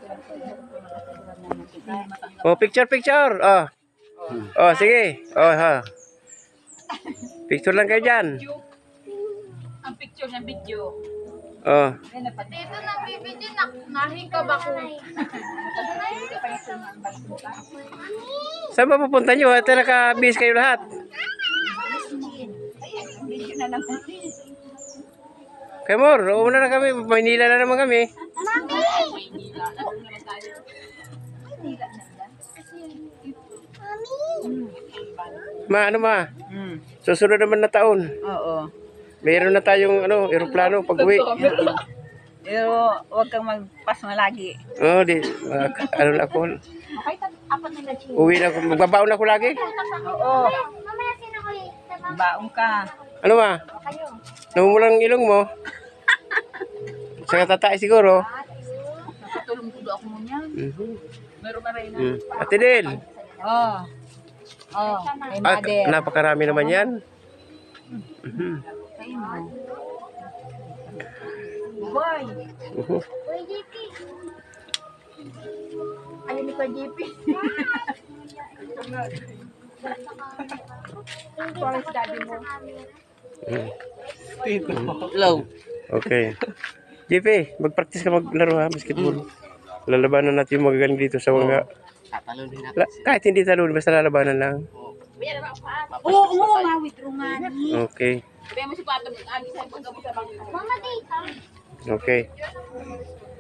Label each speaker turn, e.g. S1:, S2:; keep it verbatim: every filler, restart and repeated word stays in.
S1: Oh, picture, picture. Oh. Oh, sige. Oh, ha. Picture lang kayo dyan.
S2: Ang picture ng video.
S1: Oh.
S2: Dito na bibidyo na nahin ka ba ko?
S1: Saan ba pupunta nyo? Ito naka-bis kayo lahat.
S2: Video na naman.
S1: Kay Mor, una na kami. Maynila na naman kami.
S2: Maynila. Ano naman tayo? Maynila na lang.
S1: Ma, ano ma?
S2: Hmm.
S1: Susunod naman na taon.
S2: Oo.
S1: Mayroon na tayong ano, eroplano pag uwi.
S2: Pero huwag kang magpasma lagi.
S1: Oh, di. Uh, ano na ako. Uwi na ako. Magbabaon ako lagi.
S2: Oo. Baong ka.
S1: Ano ma? Namumulang ilong mo. Sa tatay siguro.
S2: Nakatulong tulo ako mo niyan.
S1: Mm-hmm.
S2: Meron na rin na.
S1: Mm. Ate Del.
S2: Oo. Oo. Kay
S1: Ah,
S2: mother.
S1: napakarami naman yan. Mm-hmm.
S2: Kay mo. Boy.
S1: Uh-huh.
S2: Boy, J P. Ayun ni Boy J P. Forest daddy mo.
S1: Mm.
S2: Hello.
S1: Okay. J P, mag-practice ka maglaro ha, basketball. Lalabanan natin yung magagaling dito sa mga...
S3: Tatalon din natin.
S1: La, kahit hindi talon, basta lalabanan lang.
S2: Oo, oo, nga, withdraw nga.
S1: Okay.
S2: Sabi mo si Pato, agi sa paggamot sa bangka.
S1: Okay.